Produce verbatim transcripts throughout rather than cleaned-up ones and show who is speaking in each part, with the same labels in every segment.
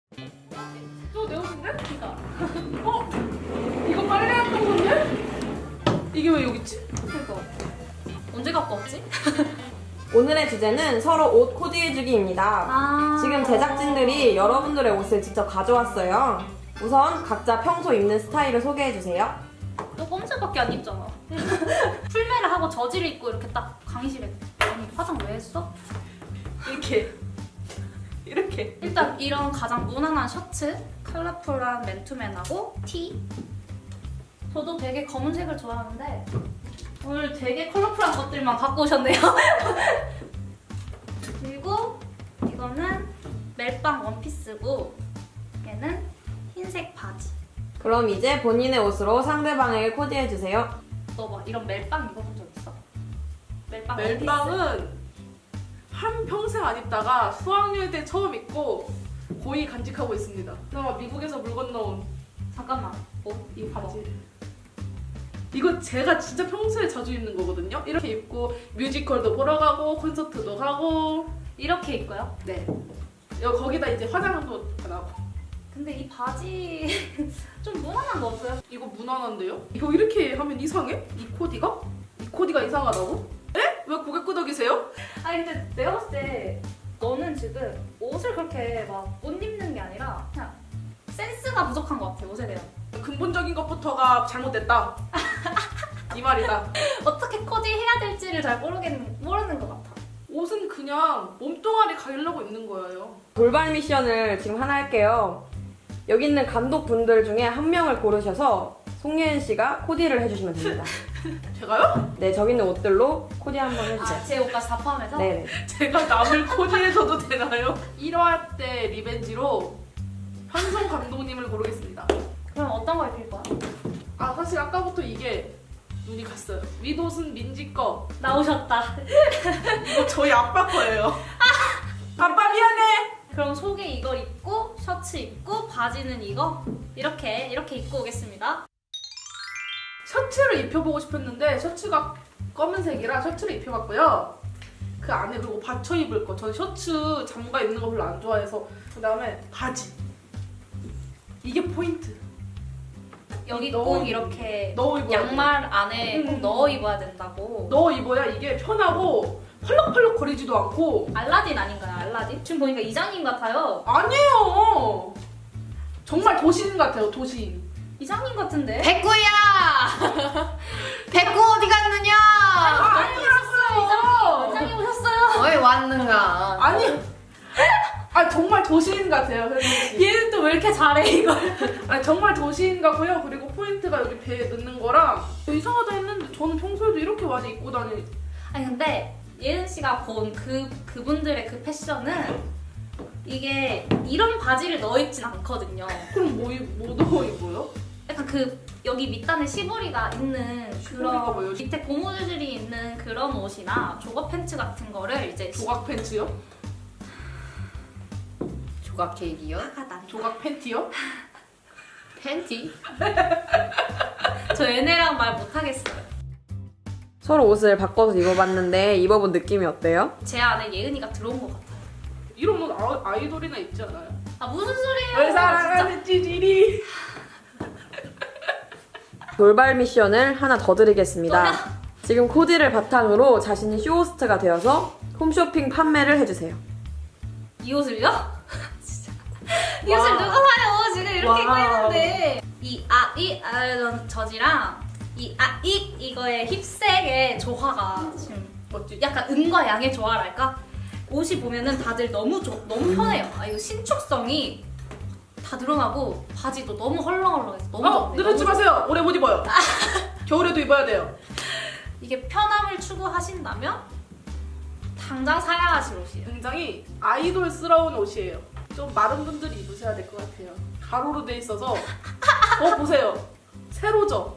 Speaker 1: 저 내 옷인데? 그니까. 어? 이거 빨래했던 건데? 이게 왜 여기 있지?
Speaker 2: 그니까. 언제 갖고 왔지?
Speaker 3: 오늘의 주제는 서로 옷 코디해주기입니다.
Speaker 2: 아.
Speaker 3: 지금 제작진들이 여러분들의 옷을 직접 가져왔어요. 우선 각자 평소 입는 스타일을 소개해주세요.
Speaker 2: 너 검은색밖에 안 입잖아. 풀메를 하고 저지를 입고 이렇게 딱 강의실에. 아니 화장 왜 했어?
Speaker 1: 이렇게. 이렇게.
Speaker 2: 일단 이런 가장 무난한 셔츠, 컬러풀한 맨투맨하고 티. 저도 되게 검은색을 좋아하는데 오늘 되게 컬러풀한 것들만 갖고 오셨네요. 그리고 이거는 멜빵 원피스고 얘는 흰색 바지.
Speaker 3: 그럼 이제 본인의 옷으로 상대방에게 코디해주세요.
Speaker 2: 너 막 이런 멜빵 입어본 적 있어? 멜빵 원피스?
Speaker 1: 멜빵은 한 평생 안 입다가 수학여행 때 처음 입고 고이 간직하고 있습니다. 나 미국에서 물 건너온
Speaker 2: 잠깐만. 어?
Speaker 1: 이 바지. 이거 제가 진짜 평소에 자주 입는 거거든요. 이렇게 입고 뮤지컬도 보러 가고 콘서트도 가고.
Speaker 2: 이렇게 입고요?
Speaker 1: 네. 여기 거기다 이제 화장도 나고.
Speaker 2: 근데 이 바지 좀 무난한 거 없어요?
Speaker 1: 이거 무난한데요? 이거 이렇게 하면 이상해? 이 코디가? 이 코디가 이상하다고? 에? 왜 고개 끄덕이세요?
Speaker 2: 아니 근데 내가 봤을 때 너는 지금 옷을 그렇게 막 못 입는 게 아니라 그냥 센스가 부족한 것 같아, 옷에 대한.
Speaker 1: 근본적인 것부터가 잘못됐다. 이 말이다.
Speaker 2: 어떻게 코디해야 될지를 잘 모르겠는, 모르는 것 같아.
Speaker 1: 옷은 그냥 몸뚱아리 가리려고 입는 거예요.
Speaker 3: 돌발 미션을 지금 하나 할게요. 여기 있는 감독분들 중에 한 명을 고르셔서 송예은 씨가 코디를 해주시면 됩니다.
Speaker 1: 제가요?
Speaker 3: 네, 저기 있는 옷들로 코디 한번 해주세요.
Speaker 2: 아, 제 옷까지 다 포함해서?
Speaker 3: 네네.
Speaker 1: 제가 남을 코디해줘도 되나요? 일 화 때 리벤지로 현성 감독님을 고르겠습니다.
Speaker 2: 그럼 어떤 거 입힐 거야?
Speaker 1: 아 사실 아까부터 이게 눈이 갔어요. 윗옷은 민지 거.
Speaker 2: 나오셨다.
Speaker 1: 이거 저희 아빠 거예요. 아빠 미안해.
Speaker 2: 그럼 속에 이거 입고 셔츠 입고 바지는 이거 이렇게 이렇게 입고 오겠습니다.
Speaker 1: 셔츠를 입혀보고 싶었는데 셔츠가 검은색이라 셔츠를 입혀봤고요. 그 안에 그리고 받쳐 입을 거. 저는 셔츠 잠가 입는 거 별로 안 좋아해서. 그 다음에 바지. 이게 포인트.
Speaker 2: 여기
Speaker 1: 넣어
Speaker 2: 꼭
Speaker 1: 입-
Speaker 2: 이렇게
Speaker 1: 넣어 입어야
Speaker 2: 양말 안에 꼭
Speaker 1: 음.
Speaker 2: 넣어 입어야 된다고.
Speaker 1: 넣어 입어야 이게 편하고 펄럭펄럭 거리지도 않고.
Speaker 2: 알라딘 아닌가요? 알라딘? 지금 보니까 이장님 같아요.
Speaker 1: 아니에요. 정말 도시인 같아요. 도시인.
Speaker 2: 이장님 같은데?
Speaker 4: 백구야! 백구 어디 갔느냐?
Speaker 1: 아니라고요.
Speaker 2: 이장님 오셨어요.
Speaker 4: 왜 왔는가?
Speaker 1: 아니. 아 정말 도시인 같아요. 현진 씨.
Speaker 2: 얘는 또 왜 이렇게 잘해 이걸?
Speaker 1: 아니 정말 도시인 같고요. 그리고 포인트가 여기 배에 넣는 거랑 이상하다 했는데 저는 평소에도 이렇게 많이 입고 다니.
Speaker 2: 아니 근데 예은 씨가 본 그 그분들의 그 패션은 이게 이런 바지를 넣어 입진 않거든요.
Speaker 1: 그럼 뭐, 입- 뭐 넣어 입어요?
Speaker 2: 약간 그 여기 밑단에 시보리가 있는
Speaker 1: 시보리가
Speaker 2: 그런
Speaker 1: 뭐예요?
Speaker 2: 밑에 고무줄이 있는 그런 옷이나 조거 팬츠 같은 거를 이제
Speaker 1: 조각 팬츠요?
Speaker 4: 조각 케이크요?
Speaker 2: 화가 난.
Speaker 1: 조각 팬티요?
Speaker 4: 팬티?
Speaker 2: 저 얘네랑 말 못하겠어요.
Speaker 3: 서로 옷을 바꿔서 입어봤는데 입어본 느낌이 어때요?
Speaker 2: 제 안에 예은이가 들어온 것 같아요.
Speaker 1: 이런 옷 아, 아이돌이나 입지 않아요?
Speaker 2: 아 무슨 소리예요?
Speaker 1: 널
Speaker 2: 진짜.
Speaker 1: 사랑하는 찌질이.
Speaker 3: 돌발 미션을 하나 더 드리겠습니다. 지금 코디를 바탕으로 자신이 쇼호스트가 되어서 홈쇼핑 판매를 해주세요.
Speaker 2: 이 옷을요? 진짜. 이 옷을 누가 사요? 지금 이렇게 입고
Speaker 1: 와.
Speaker 2: 있는데 이 아, 이 아, 저지랑 이 아, 이 이거의 힙색의 조화가 지금
Speaker 1: 멋지.
Speaker 2: 약간 음과 양의 조화랄까? 옷이 보면은 다들 너무 조, 너무 편해요. 아 이거 신축성이 다 드러나고 바지도 너무 헐렁헐렁해서 너무
Speaker 1: 어,
Speaker 2: 좋네요.
Speaker 1: 늦었지
Speaker 2: 너무
Speaker 1: 마세요. 오래 못 입어요. 겨울에도 입어야 돼요.
Speaker 2: 이게 편함을 추구하신다면 당장 사야 하실 옷이에요.
Speaker 1: 굉장히 아이돌스러운 옷이에요. 좀 마른 분들이 입으셔야 될 것 같아요. 가로로 돼 있어서. 어 보세요. 세로죠.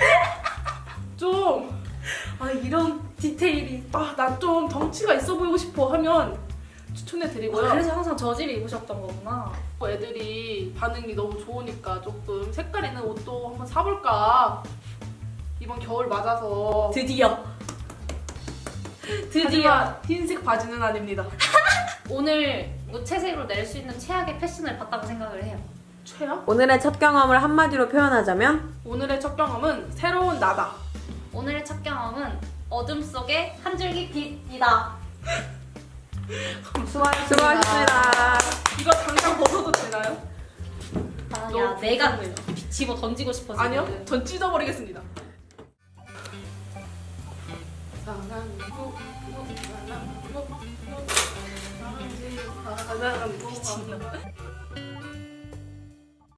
Speaker 1: 좀.
Speaker 2: 아 이런 디테일이.
Speaker 1: 아, 난 좀 덩치가 있어 보이고 싶어 하면 추천해드리고요.
Speaker 2: 아, 그래서 항상 저지를 입으셨던 거구나.
Speaker 1: 애들이 반응이 너무 좋으니까 조금 색깔 있는 옷도 한번 사볼까. 이번 겨울 맞아서.
Speaker 2: 드디어. 드디어
Speaker 1: 하지만 흰색 바지는 아닙니다.
Speaker 2: 오늘 무채색으로 낼 수 있는 최악의 패션을 봤다고 생각을 해요.
Speaker 1: 최악?
Speaker 3: 오늘의 첫 경험을 한마디로 표현하자면
Speaker 1: 오늘의 첫 경험은 새로운 나다.
Speaker 2: 오늘의 첫 경험은 어둠 속의 한 줄기 빛이다.
Speaker 3: 수고하셨습니다.
Speaker 1: 이거 당장 벗어도 되나요?
Speaker 2: 아,
Speaker 1: 너무
Speaker 2: 야, 내가
Speaker 1: 불편해요.
Speaker 2: 집어 던지고 싶어 지금.
Speaker 1: 아니요, 전 찢어버리겠습니다. 사랑하고, 사랑하고, 사랑하고, 사랑하고, 미친놈.